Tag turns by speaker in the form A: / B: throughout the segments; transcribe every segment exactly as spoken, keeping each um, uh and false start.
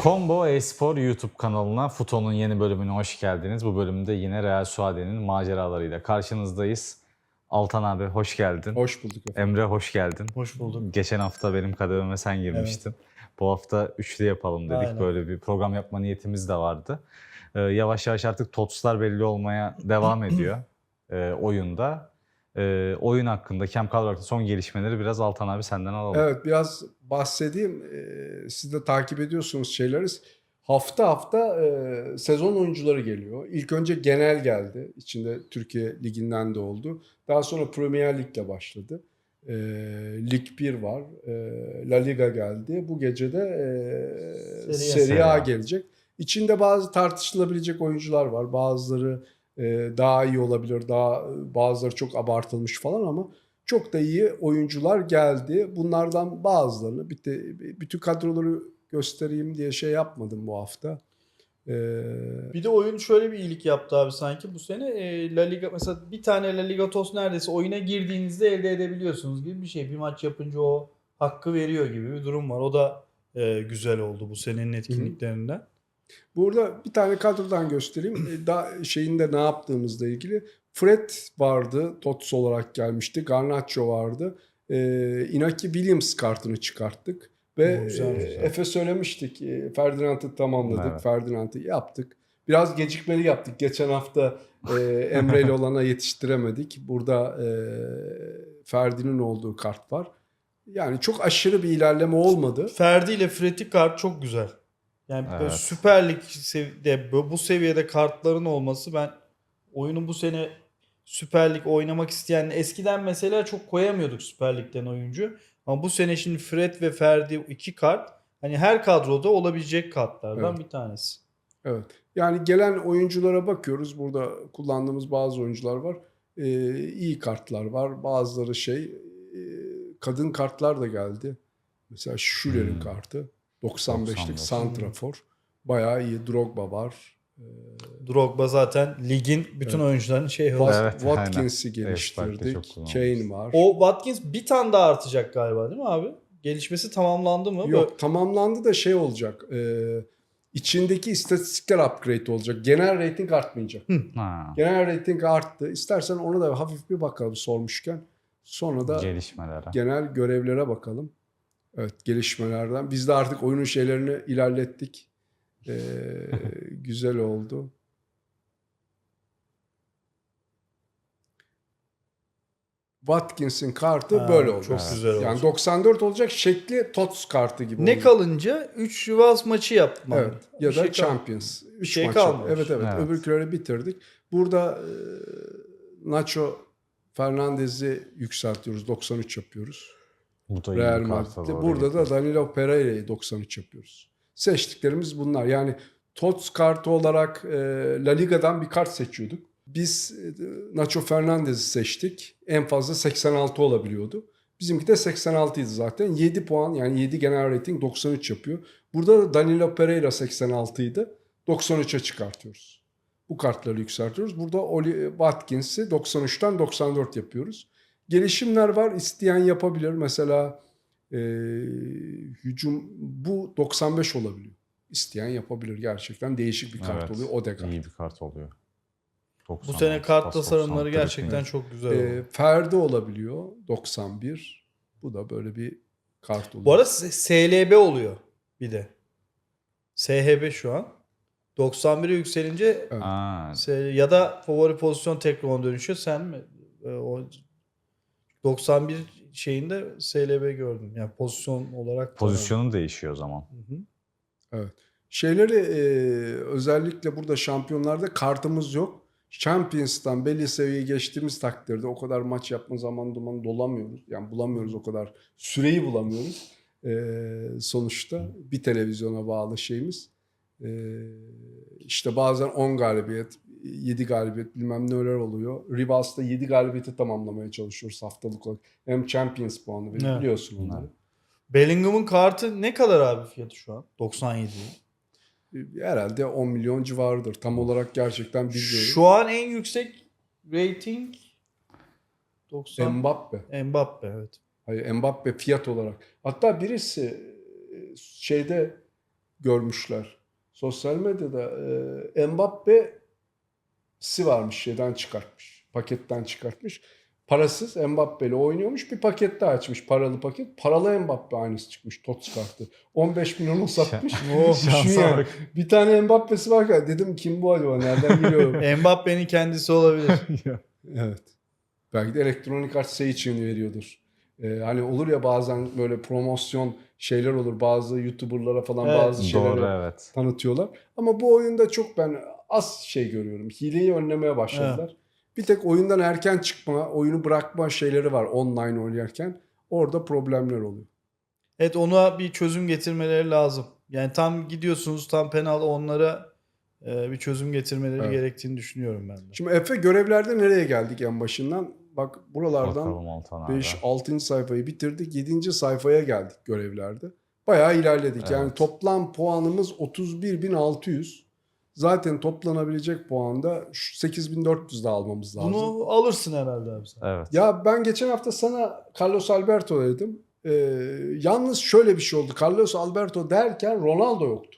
A: Combo Espor YouTube kanalına Futo'nun yeni bölümüne hoş geldiniz. Bu bölümde yine Real Suade'nin maceralarıyla karşınızdayız. Altan abi hoş geldin.
B: Hoş bulduk efendim.
A: Emre hoş geldin.
C: Hoş bulduk.
A: Geçen hafta benim kadememe sen girmiştin. Evet. Bu hafta üçlü yapalım dedik.
C: Aynen.
A: Böyle bir program yapma niyetimiz de vardı. Ee, yavaş yavaş artık TOTS'lar belli olmaya devam ediyor e, oyunda. E, oyun hakkında, Camp kadro hakkında son gelişmeleri biraz Altan abi senden alalım.
B: Evet, biraz bahsedeyim. Ee, siz de takip ediyorsunuz şeyleri. Hafta hafta e, sezon oyuncuları geliyor. İlk önce genel geldi. İçinde Türkiye Ligi'nden de oldu. Daha sonra Premier Lig'le başladı. E, Lig bir var. E, La Liga geldi. Bu gece de e,
C: Serie A.
B: Serie A gelecek. İçinde bazı tartışılabilecek oyuncular var. Bazıları e, daha iyi olabilir. Daha bazıları çok abartılmış falan ama çok da iyi oyuncular geldi. Bunlardan bazılarını bütün kadroları göstereyim diye şey yapmadım bu hafta. Ee,
C: Bir de oyun şöyle bir iyilik yaptı abi sanki bu sene. E, La Liga mesela bir tane La Liga TOS neredeyse oyuna girdiğinizde elde edebiliyorsunuz gibi bir şey. Bir maç yapınca o hakkı veriyor gibi bir durum var. O da e, güzel oldu bu senenin etkinliklerinden.
B: Burada bir tane kadrodan göstereyim. Daha şeyinde ne yaptığımızla ilgili. Fred vardı. TOTS olarak gelmişti. Garnacho vardı. Ee, Inaki Williams kartını çıkarttık. Ve
C: Güzel, güzel.
B: Efe söylemiştik. Ferdinand'ı tamamladık.
A: Evet.
B: Ferdinand'ı yaptık. Biraz gecikmeli yaptık. Geçen hafta e, Emre ile olana yetiştiremedik. Burada e, Ferdi'nin olduğu kart var. Yani çok aşırı bir ilerleme olmadı.
C: Ferdi ile Fred'i kart çok güzel. Yani
A: Evet.
C: böyle Süper Lig seviyede bu seviyede kartların olması, ben oyunun bu sene Süper Lig oynamak isteyen, eskiden mesela çok koyamıyorduk Süper Lig'den oyuncu. Ama bu sene şimdi Fred ve Ferdi iki kart hani her kadroda olabilecek kartlardan
B: Evet.
C: bir tanesi.
B: Evet. Yani gelen oyunculara bakıyoruz. Burada kullandığımız bazı oyuncular var. Ee, iyi kartlar var. Bazıları şey e, kadın kartlar da geldi. Mesela Schüller'in
A: Hmm.
B: kartı. doksan beşlik
A: doksan beş.
B: santrafor. Bayağı iyi. Drogba var.
C: Drogba zaten ligin bütün
B: Evet.
C: oyuncuların şeyi
B: Wat-
C: oldu.
A: Evet,
B: Watkins'i
A: aynen. Espark'ta çok
B: geliştirdik.
A: kullanılmış.
B: Kane var.
C: O Watkins bir tane daha artacak galiba değil mi abi? Gelişmesi tamamlandı mı?
B: Yok, tamamlandı da şey olacak. E, içindeki istatistikler upgrade olacak. Genel rating artmayacak.
A: Ha,
B: Genel rating arttı. İstersen ona da hafif bir bakalım sormuşken. Sonra da
A: gelişmelere.
B: genel görevlere bakalım. Evet, gelişmelerden. Biz de artık oyunun şeylerini ilerlettik. Ee, güzel oldu. Watkins'in kartı
C: Ha,
B: böyle oldu.
C: çok
A: Evet.
C: güzel oldu.
B: Yani doksan dört olacak, şekli TOTS kartı gibi
C: Ne
B: olacak.
C: kalınca üç Rivals maçı yaptım.
B: Evet. Ya
C: Bir
B: da
C: şey kal-
B: Champions. üç
C: şey
B: maç.
C: kalmamış.
B: Evet evet.
A: Evet.
B: Öbürküleri bitirdik. Burada e, Nacho Fernandez'i yükseltiyoruz. doksan üç yapıyoruz.
A: Bu da iyi
B: Real
A: bir kart
B: Madrid'de.
A: doğru
B: Burada da
A: getirdi.
B: Danilo Pereira'yı doksan üç yapıyoruz. Seçtiklerimiz bunlar. Yani TOTS kartı olarak e, La Liga'dan bir kart seçiyorduk. Biz e, Nacho Fernandez'i seçtik. En fazla seksen altı olabiliyordu. Bizimki de seksen altıydı zaten. yedi puan, yani yedi genel rating doksan üç yapıyor. Burada da Danilo Pereira seksen altıydı. doksan üçe çıkartıyoruz. Bu kartları yükseltiyoruz. Burada Oli Watkins'i doksan üçten doksan dört yapıyoruz. Gelişimler var. İsteyen yapabilir. Mesela e, hücum bu doksan beş olabiliyor. İsteyen yapabilir. Gerçekten değişik bir kart
A: Evet,
B: oluyor. Odegaard.
A: İyi bir kart oluyor.
C: Bu sene kart tasarımları
A: doksan,
C: gerçekten
A: kırk
C: çok güzel
B: E,
C: oldu.
B: Ferdi olabiliyor. doksan bir. Bu da böyle bir kart oluyor.
C: Bu arada S L B oluyor bir de. S H B şu an. doksan bire yükselince
B: Evet.
A: Aa,
C: S- ya da favori pozisyon tekrar ona dönüşüyor. Sen mi? E, o doksan bir şeyinde S L B gördüm. Yani pozisyon olarak. da-
A: pozisyonun değişiyor o zaman.
C: Hı hı.
B: Evet. Şeyleri e, özellikle burada şampiyonlarda kartımız yok. Champions'tan belli seviyeyi geçtiğimiz takdirde o kadar maç yapma zaman duman dolamıyoruz. Yani bulamıyoruz o kadar. Süreyi bulamıyoruz. E, sonuçta bir televizyona bağlı şeyimiz. E, işte bazen on galibiyet, yedi galibiyet bilmem neler oluyor. Rivals'ta yedi galibiyeti tamamlamaya çalışıyoruz haftalık olarak. Hem Champions puanı veriyor,
C: Evet.
B: biliyorsun onları.
A: Evet.
C: Bellingham'ın kartı ne kadar abi fiyatı şu an? doksan yedi.
B: Herhalde on milyon civarıdır. Tam olarak gerçekten bilmiyorum.
C: Şu an en yüksek rating doksan.
B: Mbappe.
C: Mbappe evet.
B: Hayır, Mbappe fiyat olarak. Hatta birisi şeyde görmüşler. Sosyal medyada e, Mbappe'si varmış, şeyden çıkartmış. Paketten çıkartmış. Parasız Mbappe'li oynuyormuş. Bir paket daha açmış. Paralı paket. Paralı Mbappe aynısı çıkmış. Tots kartı. on beş milyonu satmış.
C: Oh,
B: Düşün
A: şansa
B: yani.
A: bak.
B: Bir tane Mbappe'si var. Dedim kim bu acaba? Nereden geliyor?
C: Mbappe'nin kendisi olabilir.
B: Evet. Belki de elektronik art şey için veriyordur. Ee, hani olur ya bazen böyle promosyon şeyler olur. Bazı YouTuber'lara falan
C: Evet.
B: bazı şeyleri
A: Doğru, evet.
B: tanıtıyorlar. Ama bu oyunda çok ben az şey görüyorum. Hileyi önlemeye başladılar. Bir tek oyundan erken çıkma, oyunu bırakma şeyleri var online oynarken. Orada problemler oluyor.
C: Evet, ona bir çözüm getirmeleri lazım. Yani tam gidiyorsunuz, tam penaltı, onlara e, bir çözüm getirmeleri
B: Evet.
C: gerektiğini düşünüyorum ben de.
B: Şimdi Efe görevlerde nereye geldik en başından? Bak buralardan
A: Bakalım Altan abi.
B: beş altıncı sayfayı bitirdik. yedinci sayfaya geldik görevlerde. Bayağı ilerledik. Yani
A: Evet.
B: toplam puanımız otuz bir bin altı yüz. Zaten toplanabilecek puan da sekiz bin dört yüz de almamız lazım.
C: Bunu alırsın herhalde abi sen.
A: Evet.
B: Ya ben geçen hafta sana Carlos Alberto dedim. Ee, yalnız şöyle bir şey oldu. Carlos Alberto derken Ronaldo yoktu.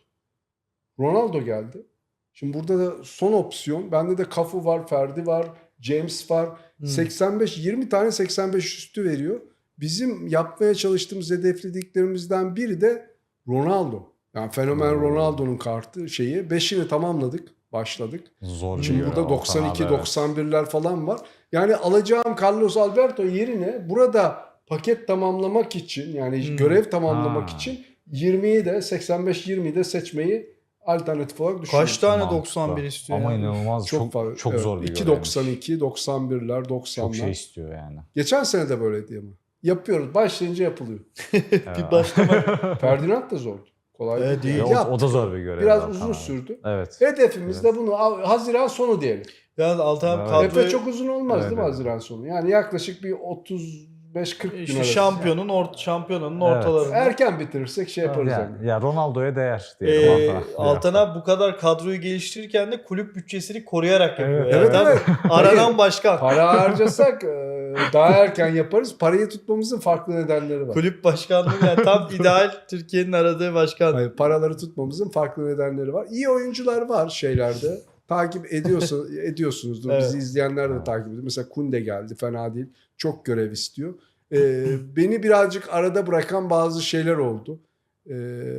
B: Ronaldo geldi. Şimdi burada da son opsiyon. Bende de Cafu var, Ferdi var, James var.
C: Hmm.
B: seksen beş yirmi tane seksen beş üstü veriyor. Bizim yapmaya çalıştığımız hedeflediklerimizden biri de Ronaldo. Yani fenomen
A: Hmm.
B: Ronaldo'nun kartı şeyi. beşini tamamladık. Başladık.
A: Zor bir
B: Şimdi
A: görev
B: burada
A: Altan
B: doksan iki
A: abi, evet.
B: doksan birler falan var. Yani alacağım Carlos Alberto yerine burada paket tamamlamak için yani
C: Hmm.
B: görev tamamlamak
A: Ha.
B: için yirmiyi de seksen beş yirmiyi de seçmeyi alternatif olarak düşünüyorum.
C: Kaç tane
A: Mantıklı.
C: doksan bir istiyor
A: Ama
C: ya?
A: inanılmaz çok
B: fa-
A: çok,
B: evet,
A: zor bir
B: iki
A: görevmiş.
B: doksan iki doksan birler doksanlar.
A: Çok şey istiyor yani.
B: Geçen sene de böyleydi ama. Yapıyoruz. Başlayınca yapılıyor.
C: Bir başlama.
B: Ferdinand da zordu. Kolay
C: Evet,
B: değil.
C: değil.
A: Ya, o,
B: Yaptık.
A: o da zor bir görev.
B: Biraz
A: Altan
B: uzun
A: abi.
B: sürdü.
A: Evet.
B: Hedefimiz
A: Evet.
B: de bunu Haziran sonu diyelim.
C: Yalnız Altan abi
A: Evet.
B: Efe
C: kadroyu
B: çok uzun olmaz
A: Evet,
B: değil mi
A: evet.
B: Haziran sonu? Yani yaklaşık bir otuz beş kırk gün
C: işte
B: arası.
C: şampiyonun ort şampiyonanın
A: Evet.
C: ortalarında.
B: Erken bitirirsek şey yaparız.
A: Ya,
B: yani.
A: ya Ronaldo'ya değer diyelim.
C: Ee,
A: Altan abi.
C: Altan abi bu kadar kadroyu geliştirirken de kulüp bütçesini koruyarak yapıyor.
A: Evet,
C: Yani
B: evet,
C: tam
B: evet.
C: aranan başkan.
B: Para harcasak e, daha erken yaparız. Parayı tutmamızın farklı nedenleri var.
C: Kulüp başkanlığı yani tam ideal Türkiye'nin aradığı başkan.
B: Hayır, paraları tutmamızın farklı nedenleri var. İyi oyuncular var şeylerde. Takip ediyorsun, ediyorsunuzdur.
C: Evet.
B: Bizi izleyenler de takip ediyor. Mesela Kunde geldi. Fena değil. Çok görev istiyor. Ee, beni birazcık arada bırakan bazı şeyler oldu. Ee,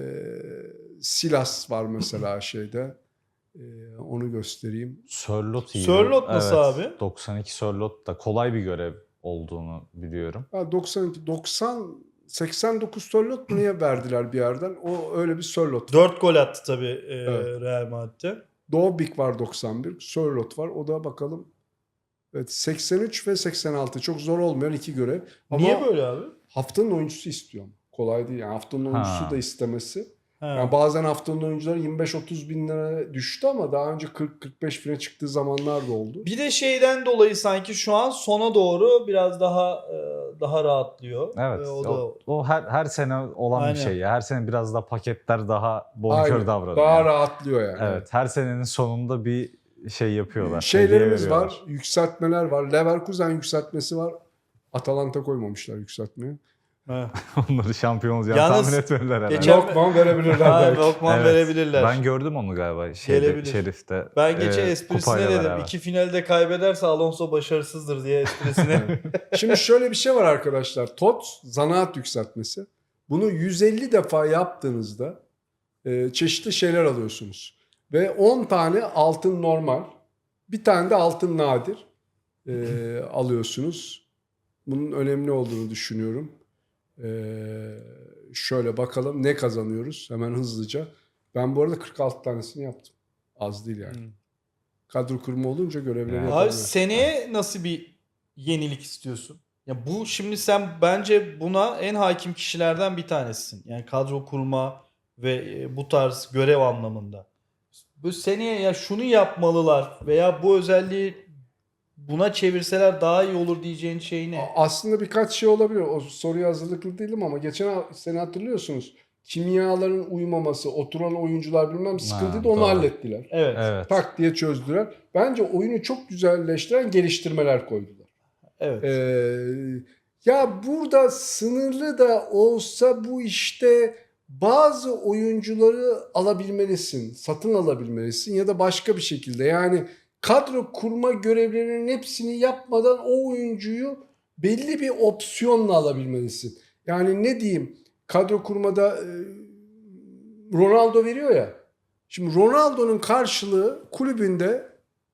B: Silas var mesela şeyde. Ee, onu göstereyim.
A: Sörlot iyi.
C: Sörlot nasıl abi?
A: doksan iki Sörlot da kolay bir görev olduğunu biliyorum.
B: Ha, doksan iki, doksan, seksen dokuz Sörlot mu niye verdiler bir yerden? O öyle bir Sörlot.
C: dört gol attı tabii e,
B: Evet.
C: Real Madrid'de.
B: Dobik var doksan bir. Sörlot var. O da bakalım. Evet, seksen üç ve seksen altı. Çok zor olmayan iki görev. Ama
C: Niye böyle abi?
B: haftanın oyuncusu istiyorum. Kolay değil. Yani haftanın oyuncusu
A: Ha.
B: da istemesi.
C: Ha.
B: Yani bazen haftanın oyuncuları yirmi beş otuz bin lira düştü ama daha önce kırk kırk beş bine çıktığı zamanlar da oldu.
C: Bir de şeyden dolayı sanki şu an sona doğru biraz daha e, daha rahatlıyor.
A: Evet.
C: E, o
A: o,
C: da
A: o her her sene olan
C: Aynen.
A: bir şey ya. Her sene biraz da paketler daha bonkör
B: Aynen.
A: davranıyor.
B: Daha
A: yani.
B: rahatlıyor yani.
A: Evet. Her senenin sonunda bir şey yapıyorlar.
B: Şeylerimiz
A: hediye
B: var.
A: veriyorlar.
B: Yükseltmeler var. Leverkusen yükseltmesi var. Atalanta koymamışlar yükseltmeye.
C: Ha.
A: Onları şampiyon olacağını
C: Yalnız
A: tahmin etmediler herhalde.
C: geçen-
B: Lokman verebilirler
C: Ha,
B: belki.
C: Lokman
A: Evet.
C: verebilirler.
A: Ben gördüm onu galiba şeyde,
C: Gelebilir.
A: Şerif'te.
C: Ben geçen
A: e,
C: esprisine
A: kupayla
C: dedim.
A: beraber.
C: İki finalde kaybederse Alonso başarısızdır diye esprisine.
B: Şimdi şöyle bir şey var arkadaşlar. T O T zanaat yükseltmesi. Bunu yüz elli defa yaptığınızda e, çeşitli şeyler alıyorsunuz. Ve on tane altın normal, bir tane de altın nadir e, alıyorsunuz. Bunun önemli olduğunu düşünüyorum. E, şöyle bakalım ne kazanıyoruz hemen hızlıca. Ben bu arada kırk altı tanesini yaptım. Az değil yani.
C: Hmm.
B: Kadro kurma olunca görevleri
A: Yani.
C: Abi
B: yapabiliyorum.
C: seneye nasıl bir yenilik istiyorsun? Ya bu şimdi sen bence buna en hakim kişilerden bir tanesisin. Yani kadro kurma ve e, bu tarz görev anlamında. Bu seneye ya şunu yapmalılar veya bu özelliği buna çevirseler daha iyi olur diyeceğin şey ne?
B: A- Aslında birkaç şey olabilir. O soruya hazırlıklı değilim ama geçen ha- sene hatırlıyorsunuz. Kimyaların uymaması, oturan oyuncular bilmem sıkıntıydı, onu
A: doğru.
B: hallettiler.
C: Evet.
A: Evet.
B: Tak diye çözdüler. Bence oyunu çok güzelleştiren geliştirmeler koydular.
C: Evet.
B: Ee, ya burada sınırlı da olsa bu işte bazı oyuncuları alabilmelisin, satın alabilmelisin ya da başka bir şekilde. Yani kadro kurma görevlerinin hepsini yapmadan o oyuncuyu belli bir opsiyonla alabilmelisin. Yani ne diyeyim, kadro kurmada e, Ronaldo veriyor ya. Şimdi Ronaldo'nun karşılığı kulübünde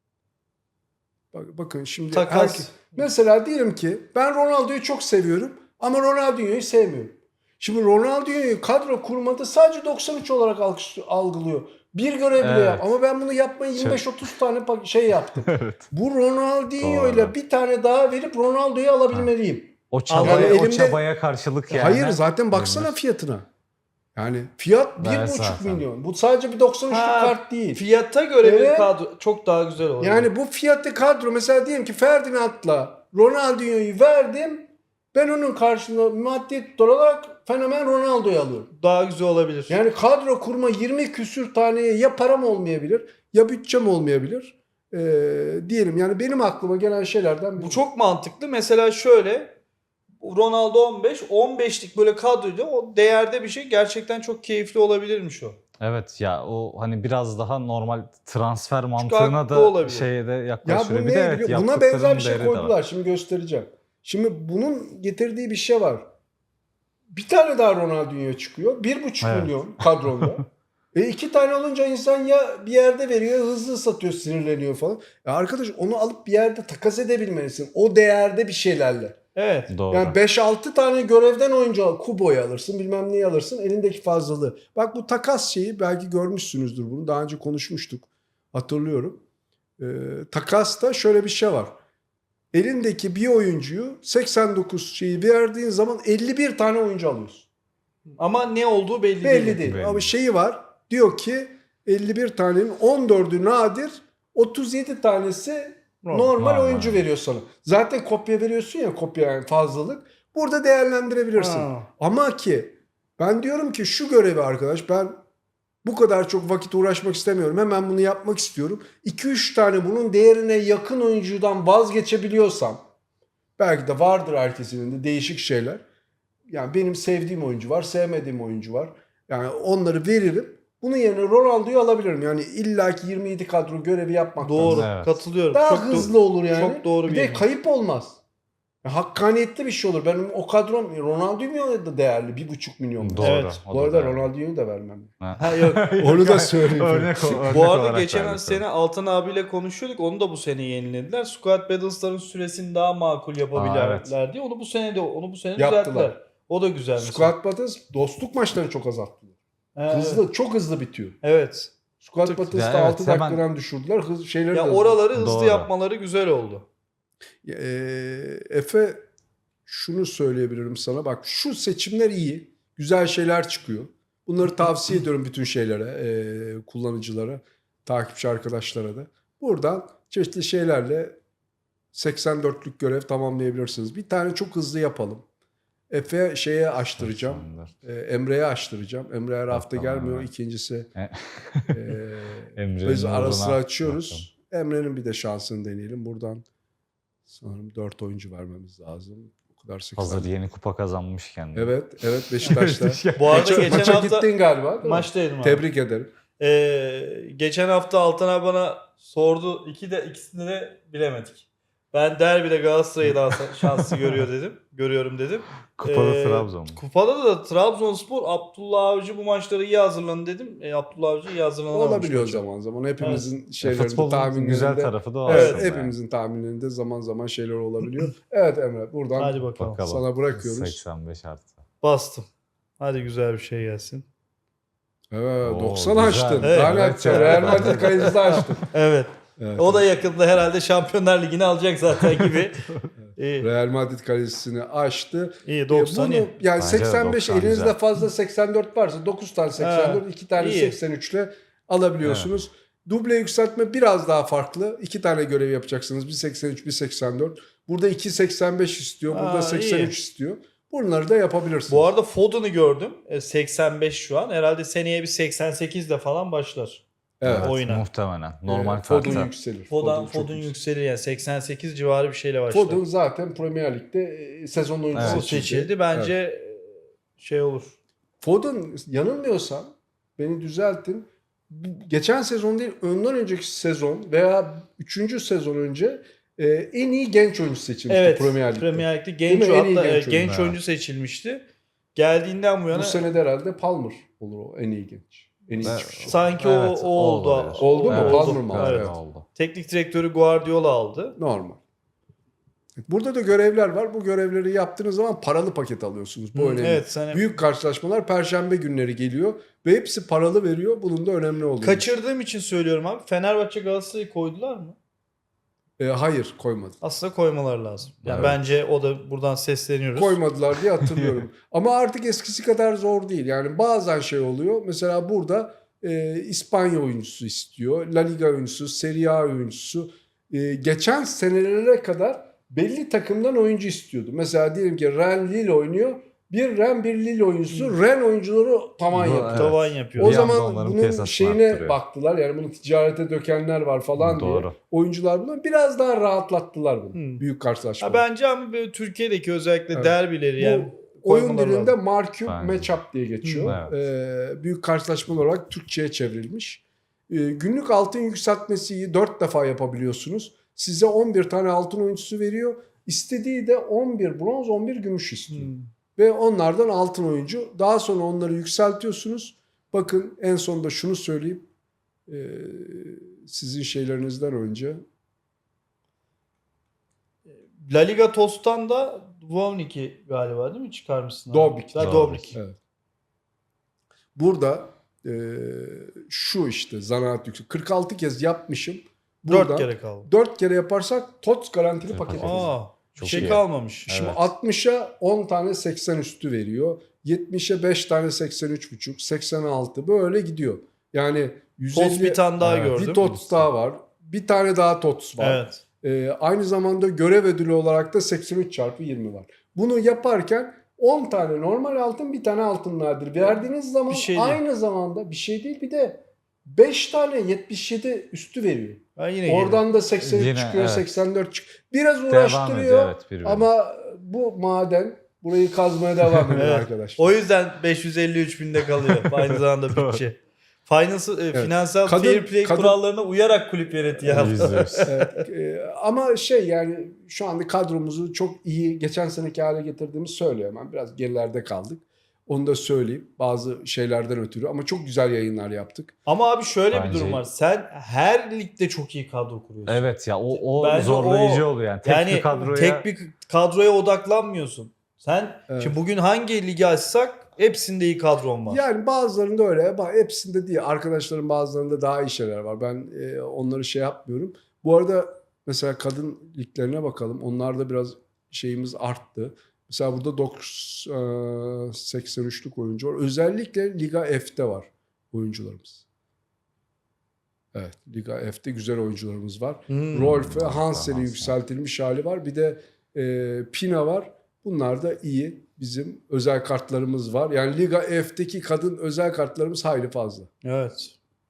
B: bak, bakın şimdi
C: Takas.
B: herkes, mesela diyelim ki ben Ronaldo'yu çok seviyorum ama Ronaldinho'yu sevmiyorum. Şimdi Ronaldinho'yu kadro kurmada sadece doksan üç olarak algı- algılıyor. Bir görev bile
A: Evet.
B: yap. Ama ben bunu yapmayı yirmi beş otuz tane pa- şey yaptım.
A: Evet.
B: Bu Ronaldinho'yla
A: Doğru.
B: bir tane daha verip Ronaldo'yu alabilmeliyim.
A: O çabaya,
B: Yani
A: o
B: elimde-
A: çabaya karşılık yani.
B: Hayır zaten baksana
A: Verilir.
B: fiyatına. Yani fiyat
A: Ben
B: bir buçuk
A: zaten.
B: milyon. Bu sadece bir doksan üçlük
C: Ha,
B: kart değil.
C: Fiyata göre bir
B: Evet.
C: kadro çok daha güzel olur.
B: Yani bu fiyatlı kadro, mesela diyelim ki Ferdinand'la Ronaldinho'yu verdim. Ben onun karşılığında maddi olarak fenomen Ronaldo'yu alıyorum.
C: daha güzel olabilir.
B: Yani kadro kurma yirmi küsür taneye ya param olmayabilir ya bütçem olmayabilir. Ee, diyelim yani benim aklıma gelen şeylerden biri.
C: Bu çok mantıklı. Mesela şöyle Ronaldo on beş, on beşlik böyle kadroyla o değerde bir şey gerçekten çok keyifli olabilirmiş o.
A: Evet ya, o hani biraz daha normal transfer mantığına
C: haklı
A: da
C: olabilir.
A: şeye de
B: Ya
A: yaklaşıyor.
B: bu
A: Bir de
B: ne
A: evet,
B: biliyor? Buna
A: yaptıklarının
B: benzer bir şey
A: değeri de var.
B: koydular. Şimdi göstereceğim. Şimdi bunun getirdiği bir şey var. Bir tane daha Ronaldinho çıkıyor. Bir buçuk
A: Evet.
B: milyon kadronda. E iki tane olunca insan ya bir yerde veriyor, hızlı satıyor, sinirleniyor falan. Ya arkadaş, onu alıp bir yerde takas edebilmelisin. O değerde bir şeylerle.
C: Evet.
A: Doğru.
B: Yani beş altı tane görevden oyuncu al. Kubo'yu alırsın, bilmem neyi alırsın. Elindeki fazlalığı. Bak bu takas şeyi, belki görmüşsünüzdür bunu. Daha önce konuşmuştuk. Hatırlıyorum. Ee, takasta şöyle bir şey var. Elindeki bir oyuncuyu seksen dokuz şeyi verdiğin zaman elli bir tane oyuncu alıyorsun.
C: Ama ne olduğu belli,
B: Belli
C: değil.
B: değil.
A: Belli.
B: Ama şeyi var. Diyor ki elli bir tanenin on dördü nadir, otuz yedi tanesi normal,
A: Normal.
B: oyuncu veriyor sana. Zaten kopya veriyorsun ya, kopya yani fazlalık. Burada değerlendirebilirsin.
C: Ha.
B: Ama ki ben diyorum ki şu görevi arkadaş, ben bu kadar çok vakit uğraşmak istemiyorum. Hemen bunu yapmak istiyorum. iki üç tane bunun değerine yakın oyuncudan vazgeçebiliyorsam, belki de vardır herkesinin de değişik şeyler. Yani benim sevdiğim oyuncu var, sevmediğim oyuncu var. Yani onları veririm. Bunun yerine Ronaldo'yu alabilirim. Yani illaki yirmi yedi kadro görevi yapmak
C: Doğru.
A: Evet.
C: Katılıyorum.
B: daha
C: çok do-
B: hızlı olur yani.
C: çok doğru
B: bir
C: bir
B: de
C: yemin.
B: kayıp olmaz. Ya, hakkaniyetli bir şey olur. Benim o kadrom Ronaldinho da değerli. Bir buçuk milyon.
A: Doğru.
C: Evet.
A: o
B: Bu
A: da
B: arada
A: değerli.
B: Ronaldinho'yu da vermem.
C: Ha, yok.
B: Onu da söyleyeyim.
A: Örnek, o- örnek
C: Bu arada
A: olarak
C: geçen
A: verdik
C: sene Altan abiyle konuşuyorduk. Onu da bu sene yenilediler. Squad Battles'ların süresini daha makul yapabilirler
A: Aa, evet.
C: diye. Onu bu sene de onu bu sene
B: Yaptılar.
C: düzelttiler. O da güzel mesela.
B: Squad Battles dostluk maçlarını çok azalttılar.
C: Ha,
B: Hızlı, çok hızlı bitiyor.
C: Evet.
B: Squad
C: Tık.
B: Battles'ta
A: Ya evet,
B: altı
A: hemen-
B: dakikadan düşürdüler. Hız, şeyleri de
C: Ya
B: hızlı.
C: oraları hızlı
A: Doğru.
C: yapmaları güzel oldu.
B: Ee, Efe, şunu söyleyebilirim sana. Bak şu seçimler iyi. Güzel şeyler çıkıyor. Bunları tavsiye ediyorum bütün şeylere, e, kullanıcılara, takipçi arkadaşlara da. Buradan çeşitli şeylerle seksen dörtlük görev tamamlayabilirsiniz. Bir tane çok hızlı yapalım. Efe şeye açtıracağım. e, Emre'ye açtıracağım. Emre her hafta
A: Tamam,
B: gelmiyor.
A: evet.
B: İkincisi
A: E-
B: e,
A: Emre'nin
B: biz ara
A: uğruna
B: sıra açıyoruz. Emre'nin bir de şansını deneyelim. Buradan sanırım dört oyuncu vermemiz lazım. O kadar seksen.
A: Hazır yeni kupa kazanmışken.
B: Evet, evet Beşiktaş'ta.
C: Bu arada
B: maça,
C: geçen
B: maça
C: hafta
B: gittin galiba. değil mi?
C: maçtaydım abi.
B: Tebrik ederim.
C: Ee, geçen hafta Altan abi bana sordu. İki de ikisini de bilemedik. Ben derbide Galatasaray'ı daha şanslı görüyor dedim. Görüyorum dedim.
A: Kupada
C: Ee,
A: Trabzon.
C: Kupada da Trabzonspor, Abdullah Avcı bu maçları iyi hazırlanın dedim. E, Abdullah Avcı iyi hazırlanamamış.
B: Olabiliyor
C: maça.
B: zaman zaman. Hepimizin
A: E,
B: şeylerinde,
A: Futbolun
B: tahminlerinde.
A: güzel tarafı da o
B: Evet,
A: aslında.
B: hepimizin tahminlerinde zaman zaman şeyler olabiliyor. Evet Emre, buradan
C: Hadi bakalım.
A: Bakalım.
B: sana bırakıyoruz.
A: seksen beş artı.
C: Bastım. Hadi güzel bir şey gelsin.
B: Evet,
A: Oo,
B: doksan
A: güzel.
B: açtın.
C: Evet.
B: Daha ne
A: Evet,
B: açacaksın?
A: evet.
B: Real Madrid kayıcısı açtın.
C: Evet.
B: Evet.
C: O da yakında herhalde Şampiyonlar Ligi'ni alacak zaten gibi. İyi.
B: Real Madrid kalecisini açtı.
C: İyi doksan
B: Bunu,
C: iyi.
B: yani
A: Bence de
B: seksen beş
A: doksan
B: elinizde
A: güzel.
B: fazla seksen dört varsa dokuz tane seksen dört, iki tane
C: iyi.
B: seksen üç ile alabiliyorsunuz. Duble yükseltme biraz daha farklı. İki tane görev yapacaksınız. Bir seksen üç, bir seksen dört. Burada iki seksen beş istiyor. Burada
C: Aa,
B: seksen üç
C: iyi.
B: istiyor. Bunları da yapabilirsiniz.
C: Bu arada Foden'ı gördüm. E, seksen beş şu an. Herhalde seneye bir seksen sekizde falan başlar.
B: evet.
A: Evet,
C: oyuna.
A: muhtemelen. Normal
B: Ee, Foden
A: kartı.
B: yükselir.
C: Foden,
B: çok
C: Foden
B: yükselir.
C: yükselir yani seksen sekiz civarı bir şeyle başlar.
B: Foden zaten Premier Lig'de e, sezon oyuncusu
A: Evet.
C: O
B: seçildi.
C: seçildi. Bence şey olur.
B: Foden yanılmıyorsam beni düzeltin. bu- Geçen sezon değil ondan önceki sezon veya üçüncü sezon önce e, en iyi genç oyuncu seçilmişti
C: Evet.
B: Premier Lig'de.
C: Premier Lig'de
B: Değil
C: genç
B: mi? En iyi
C: hatta
B: genç
C: genç,
B: oyuncu.
C: genç
A: Evet.
C: oyuncu seçilmişti. Geldiğinden bu yana
B: Bu sene de herhalde Palmer olur o en iyi genç. En iyi
A: Evet.
B: çıkışı.
C: sanki
A: Evet,
C: o, o oldu.
A: olabilir.
B: Oldu mu?
A: Evet,
B: Palmer mı aldı?
A: galiba
B: Evet.
A: oldu.
C: Teknik direktörü Guardiola aldı.
B: Normal. Burada da görevler var. Bu görevleri yaptığınız zaman paralı paket alıyorsunuz. Bu
C: Hı,
B: önemli.
C: evet, sen-
B: Büyük karşılaşmalar Perşembe günleri geliyor ve hepsi paralı veriyor. Bunun da önemli olduğunu.
C: Kaçırdığım için söylüyorum abi. Fenerbahçe Galatasaray'ı koydular mı?
B: E, hayır koymadı.
C: Aslında koymalar lazım. Yani
A: Evet.
C: bence o da buradan sesleniyoruz.
B: Koymadılar diye hatırlıyorum. Ama artık eskisi kadar zor değil. Yani bazen şey oluyor. Mesela burada e, İspanya oyuncusu istiyor. La Liga oyuncusu, Serie A oyuncusu. E, geçen senelere kadar belli takımdan oyuncu istiyordu. Mesela diyelim ki Ren Lille oynuyor. Bir Ren bir Lille oyuncusu. Ren oyuncuları tavan
A: Bu-
B: yapıyor.
A: evet.
C: Tavan yapıyor.
B: O
A: Bir anda
B: zaman
A: onların
B: bunun
A: piyasasını
B: şeyine
A: arttırıyor.
B: baktılar. Yani bunu ticarete dökenler var falan diye.
A: Doğru.
B: Oyuncular bunu biraz daha rahatlattılar bunu.
C: Hmm.
B: Büyük karşılaşma.
C: Ha, bence ama böyle Türkiye'deki özellikle
B: Evet.
C: derbileri yani
B: Bu oyun
C: koymaları
B: dilinde
C: lazım.
B: Marküm
A: Bence.
B: Matchup diye geçiyor.
A: Hı,
B: Ee, büyük karşılaşma olarak Türkçe'ye çevrilmiş. Ee, günlük altın yükseltmesiyi dört defa yapabiliyorsunuz. Size on bir tane altın oyuncusu veriyor. İstediği de on bir bronz, on bir gümüş istiyor.
C: Hmm.
B: Ve onlardan altın oyuncu. Daha sonra onları yükseltiyorsunuz. Bakın en sonunda şunu söyleyeyim. Ee, sizin şeylerinizden önce.
C: La Liga Tos'tan da Dubrovnik'i galiba değil mi çıkarmışsın? abi?
B: Dobrik.
C: Ha,
A: Dobrik.
C: Dobrik.
B: Evet. Burada e, şu işte zanaat yüksek. kırk altı kez yapmışım.
C: Dört
B: Buradan
C: kere kaldı.
B: dört kere yaparsak T O T S garantili
A: Evet,
B: paket
A: paket.
B: alırız.
C: Aa, bir
A: Çok
C: şey
A: iyi.
C: kalmamış.
B: Şimdi
A: Evet.
B: altmışa on tane seksen üstü veriyor. yetmişe beş tane seksen üç buçuk, seksen altı böyle gidiyor. Yani yüz elli
C: Tos bir tane daha
A: Evet.
C: gördüm.
B: bir T O T S daha var. Bir tane daha T O T S var.
C: Evet.
B: Ee, aynı zamanda görev ödülü olarak da seksen üç çarpı yirmi var. Bunu yaparken on tane normal altın, bir tane altın nadir verdiğiniz zaman
C: Bir şey değil.
B: aynı zamanda bir şey değil, bir de beş tane yetmiş yedi üstü veriyor.
C: Ben yine
B: Oradan da seksen üç
A: Yine,
B: çıkıyor,
A: evet.
B: seksen dört çıkıyor. Biraz
A: Devam
B: uğraştırıyor
A: ediyor evet birbirine.
B: ama bu maden burayı kazmaya devam ediyor
C: Evet.
B: arkadaşlar.
C: O yüzden beş yüz elli üç binde kalıyor. Aynı zamanda bütçe. Finansal, e, finansal
B: Kadın-
C: fair play
B: kadın-
C: kurallarına uyarak kulüp yönetiyor.
A: Yüzde yüz.
B: Evet, e, ama şey yani şu anda kadromuzu çok iyi geçen seneki hale getirdiğimiz söyleyemem. Biraz gerilerde kaldık. Onu da söyleyeyim. Bazı şeylerden ötürü ama çok güzel yayınlar yaptık.
C: Ama abi şöyle bir
A: Bence-
C: durum var. Sen her ligde çok iyi kadro kuruyorsun.
A: Evet ya o, o
C: Bence
A: zorlayıcı
C: o-
A: oluyor yani. Tek
C: yani
A: bir kadroya
C: tek bir kadroya odaklanmıyorsun. Sen
B: Evet.
C: şimdi bugün hangi ligi açsak hepsinde iyi kadron var.
B: Yani bazılarında öyle ama hepsinde değil. Arkadaşların bazılarında daha iyi şeyler var. Ben e, onları şey yapmıyorum. Bu arada mesela kadın liglerine bakalım. Onlarda biraz şeyimiz arttı. Mesela burada doksan, seksen üçlük oyuncu var. Özellikle Liga F'te var oyuncularımız. Evet, Liga F'te güzel oyuncularımız var.
C: Hmm.
B: Rolf ve
A: Rolf ve
B: Hansen'in
A: Hansen.
B: yükseltilmiş hali var. Bir de e, Pina var. Bunlar da iyi. Bizim özel kartlarımız var. Yani Liga F'teki kadın özel kartlarımız hayli fazla.
C: Evet.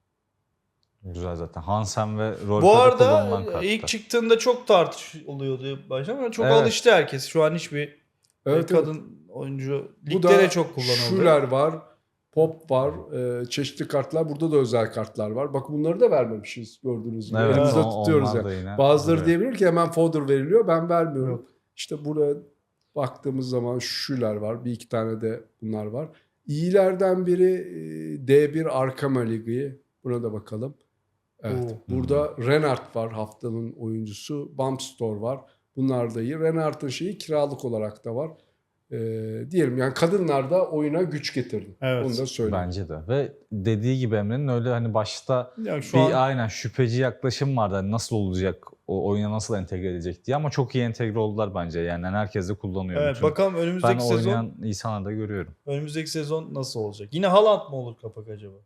A: güzel zaten. Hansen ve Rolf'e
C: Bu
A: de
C: arada
A: kullanılan kartlar.
C: ilk çıktığında çok tartışılıyordu başta ama çok
A: Evet.
C: alıştı herkes. Şu an hiçbir
B: Evet,
C: kadın oyuncu
B: Bu
C: ligde
B: da
C: de çok kullanıldı.
B: Schuler var. Pop var. e, çeşitli kartlar. Burada da özel kartlar var. Bak bunları da vermemişiz gördüğünüz gibi.
A: Evet,
B: Elimizde
A: o-
B: tutuyoruz
A: onlar
B: yani.
A: da yine
B: Bazıları
A: duruyor.
B: diyebilir ki hemen folder veriliyor. Ben vermiyorum.
C: Yok.
B: İşte buraya baktığımız zaman Schuler var. Bir iki tane de bunlar var. İyilerden biri e, D bir Arkama Ligi. Buna da bakalım. Evet.
C: Oo.
B: Burada Renard var haftanın oyuncusu. Bumpstore var. Bunlar da iyi. Renard'ın şeyi kiralık olarak da var. Ee, diyelim yani kadınlar da oyuna güç getirdi.
C: Evet.
B: Onu da söyleyeyim.
A: Bence de. Ve dediği gibi Emre'nin öyle hani başta
C: Yani şu
A: bir
C: an
A: aynen şüpheci yaklaşım vardı. Hani nasıl olacak, o oyuna nasıl entegre edecek diye ama çok iyi entegre oldular bence. Yani herkes de kullanıyor.
C: evet,
A: Bütün-
C: bakalım
A: ben
C: önümüzdeki sezon
A: oynayan insanları da görüyorum.
C: önümüzdeki sezon nasıl olacak? Yine Haaland mı olur kapak acaba?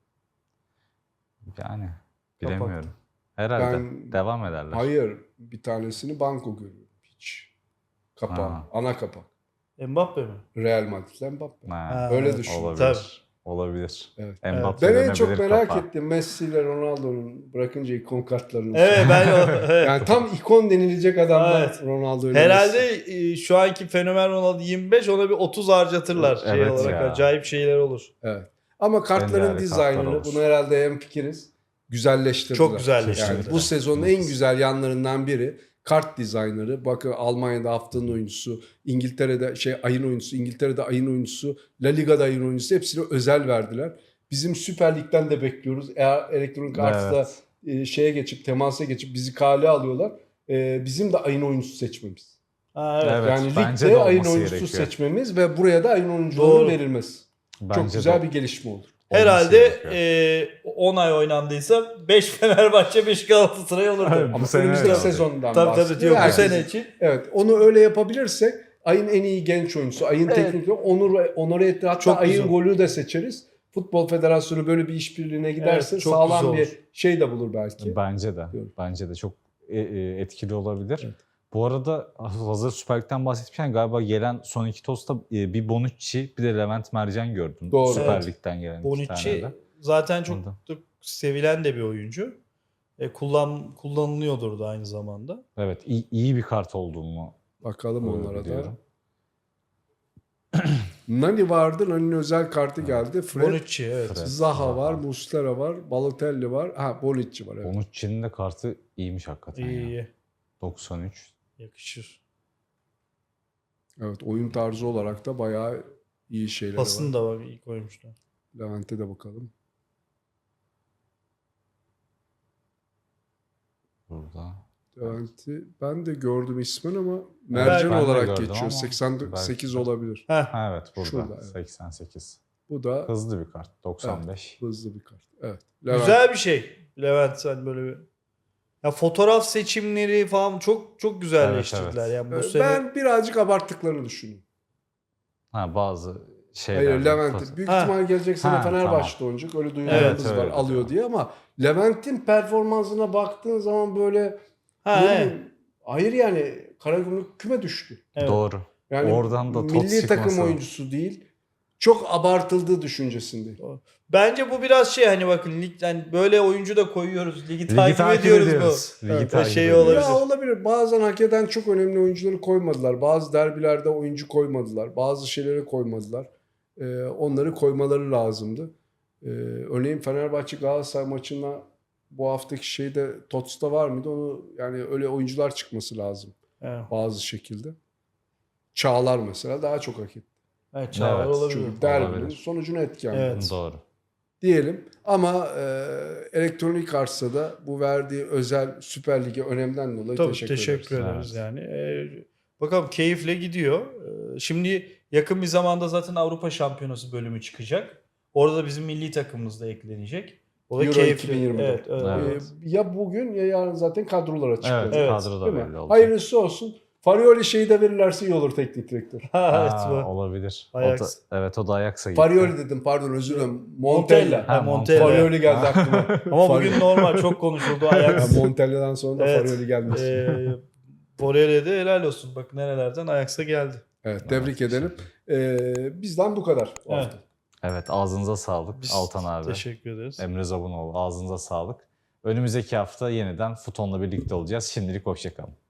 A: Yani
C: Kapak.
A: bilemiyorum. Herhalde
B: Ben-
A: devam ederler.
B: Hayır. Bir tanesini banko görüyorum. Hiç. Kapağı.
A: Ha.
B: Ana kapak.
C: Mbappe mi?
B: Real Madrid'den Mbappe.
A: Ha,
C: Ha,
B: Öyle
C: evet.
B: düşün.
A: olabilir.
C: Tabii.
A: Olabilir.
B: Evet.
A: Mbappe
B: Ben en çok
A: dönebilir
B: merak
A: kafa.
B: ettim Messi ile Ronaldo'nun bırakınca ikon kartlarını.
C: Evet ben evet.
B: Yani tam ikon denilecek adamlar
C: Evet.
B: Ronaldo ile
C: Herhalde
B: Messi.
C: e, şu anki fenomen Ronaldo yirmi beş, ona bir otuz harcatırlar şey
A: Evet
C: olarak.
A: ya.
C: Acayip şeyler olur.
B: Evet. Ama kartların
A: değerli kartlar
B: dizaynını
A: olur.
B: bunu herhalde hemfikiriz. Güzelleştirdiler.
C: Çok güzelleştirdiler.
B: Yani bu sezonun en güzel yanlarından biri kart dizaynları. Bakın Almanya'da haftanın oyuncusu, İngiltere'de şey ayın oyuncusu, İngiltere'de ayın oyuncusu, La Liga'da ayın oyuncusu hepsine özel verdiler. Bizim Süper Lig'den de bekliyoruz. Eğer elektronik arts'ta
A: Evet.
B: e, şeye geçip temasa geçip bizi kale alıyorlar. E, bizim de ayın oyuncusu seçmemiz.
C: Ha, evet.
A: Evet,
B: yani
A: bence
B: ligde
A: de
B: ayın
A: olması
B: oyuncusu
A: gerekiyor.
B: seçmemiz ve buraya da ayın oyuncularının
C: Doğru.
B: verilmesi.
A: Bence
B: Çok güzel
A: de
B: bir gelişme olur.
C: Herhalde
A: olması gerekiyor.
C: e, on ay oynandıysa beş Fenerbahçe beş Galatasaray olurdu.
A: Evet.
B: Ama
A: Bu sene
B: önümüzdeki
A: öyle olacak.
B: sezondan
C: Tabii tabii
B: bahsediyor.
C: diyor bu
B: Herkesin-
C: sene için.
B: Evet, onu öyle yapabilirsek ayın en iyi genç oyuncusu, ayın
C: Evet.
B: teknik onur onore etti. Hatta
C: Çok
B: ayın
C: güzel.
B: golü de seçeriz. Futbol Federasyonu böyle bir işbirliğine giderse
C: Evet, çok
B: sağlam
C: güzel
B: bir şey de bulur belki.
A: Bence de.
B: Diyorum.
A: Bence de çok e, e, etkili olabilir.
B: Evet.
A: Bu arada hazır Süper Lig'den bahsetmişken galiba gelen son iki tosta e, bir Bonucci bir de Levent Mercan gördüm.
B: Doğru.
A: Süper
C: Evet.
A: Lig'den gelen iki
C: Bonucci
A: tane de.
C: zaten çok
A: Ondan.
C: da sevilen de bir oyuncu. E, kullan kullanılıyordur da aynı zamanda.
A: Evet, iyi, iyi bir kart olduğunu
B: Bakalım
A: e,
B: onlara da.
A: biliyorum.
B: Nani vardı. Nani'nin özel kartı geldi. Fred,
C: Bonucci evet.
A: Fred.
B: Zaha var,
A: Zaha.
B: Muslera var, Balotelli var. Ha, Bonucci var. Evet.
A: Bonucci'nin de kartı iyiymiş hakikaten
C: İyi
A: ya.
C: iyi.
A: doksan üç.
C: Yakışır.
B: Evet, oyun tarzı olarak da bayağı iyi şeyler
C: Pasını
B: var.
C: da var, iyi koymuşlar.
B: Levent'e de bakalım.
A: Burada.
B: Levent'i ben de gördüm ismen ama
C: Ben
B: Mercan
C: de
B: olarak
A: gördüm
B: geçiyor.
A: ama
B: seksen sekiz
A: belki de.
B: olabilir.
C: Heh.
A: Ha, evet burada.
B: Şurada, evet.
A: seksen sekiz.
B: Bu da
A: Hızlı bir kart. doksan beş.
B: hızlı bir kart. Evet. Levent.
C: Güzel bir şey. Levent sen böyle bir ya fotoğraf seçimleri falan çok çok güzelleştirdiler.
A: Evet, evet.
C: Yani bu
B: Ee,
C: sene
B: Ben birazcık abarttıklarını düşünüyorum.
A: Ha, bazı şeyler.
B: Hayır Levent'in. Büyük
C: Ha.
B: ihtimal gelecek sene
A: Ha,
B: Fenerbahçe'de oynayacak. Öyle duyularımız
A: Evet,
B: var.
A: öyle
B: Alıyor
A: diyor.
B: diye ama Levent'in performansına baktığın zaman böyle
C: ha,
B: ne
C: evet.
B: bileyim, hayır yani Karagümrük küme düştü.
C: Evet.
A: Doğru.
B: Yani
A: Oradan da tot
B: milli takım
A: çıkması.
B: oyuncusu değil. Çok abartıldığı düşüncesindeyim.
C: Bence bu biraz şey hani bakın lig yani böyle oyuncu da koyuyoruz. Ligi,
A: Ligi
C: takip, ediyoruz bu.
A: Ligi
C: Evet,
A: takip
C: şey
A: ediyoruz.
C: olabilir.
B: Ya olabilir. Bazen hak eden çok önemli oyuncuları koymadılar. Bazı derbilerde oyuncu koymadılar. Bazı şeyleri koymadılar. Ee, onları koymaları lazımdı. Ee, örneğin Fenerbahçe Galatasaray maçına bu haftaki şeyde Tots'ta var mıydı? Onu yani öyle oyuncular çıkması lazım
C: Evet.
B: bazı şekilde. Çağlar mesela daha çok hak etti.
C: Evet, Çağlar
A: Evet,
C: olabilir.
B: Çünkü derbinin
A: Olabilir.
B: sonucuna etken.
C: Evet.
A: Doğru.
B: Diyelim ama e, elektronik arsada bu verdiği özel Süper Lig'e önemden dolayı
C: Tabii
B: teşekkür,
C: teşekkür
B: ederiz.
C: ederiz
A: Evet.
C: yani. Ee, bakalım keyifle gidiyor. Ee, şimdi yakın bir zamanda zaten Avrupa Şampiyonası bölümü çıkacak. Orada da bizim milli takımımız da eklenecek. O da
B: Euro
C: keyifli.
B: iki bin yirmi dört.
C: Evet, evet,
A: Evet.
C: evet.
B: Ee, ya bugün ya yarın zaten kadrolar açıklanacak.
A: Evet,
C: Evet.
A: kadro da
B: Değil mi?
A: belli olacak.
B: Hayırlısı olsun. Farioli şeyi de verirlerse iyi olur teknik direktör.
C: Ha, evet,
A: Ha,
C: bu.
A: olabilir. O
C: Ajax.
A: da, evet o da Ajax'a gitti.
B: Farioli dedim pardon özür dilerim.
C: Montella.
B: Montella.
C: Ha,
A: Ha,
C: Montella.
B: Farioli geldi aklıma.
C: Ama
B: Farioli.
C: bugün normal çok konuşuldu
B: Ya
C: Ajax.
B: Montella'dan sonra da
C: Evet.
B: Farioli gelmesi.
C: Ee, Borel'e de helal olsun. Bak nerelerden Ajax'a geldi.
B: Evet tebrik
A: Evet,
B: edelim. Ee, bizden bu kadar bu
C: Evet.
B: hafta.
A: Evet ağzınıza sağlık
C: Biz
A: Altan abi.
C: Teşekkür ederiz.
A: Emre Zabunoğlu ağzınıza sağlık. Önümüzdeki hafta yeniden Futon'la birlikte olacağız. Şimdilik hoşçakalın.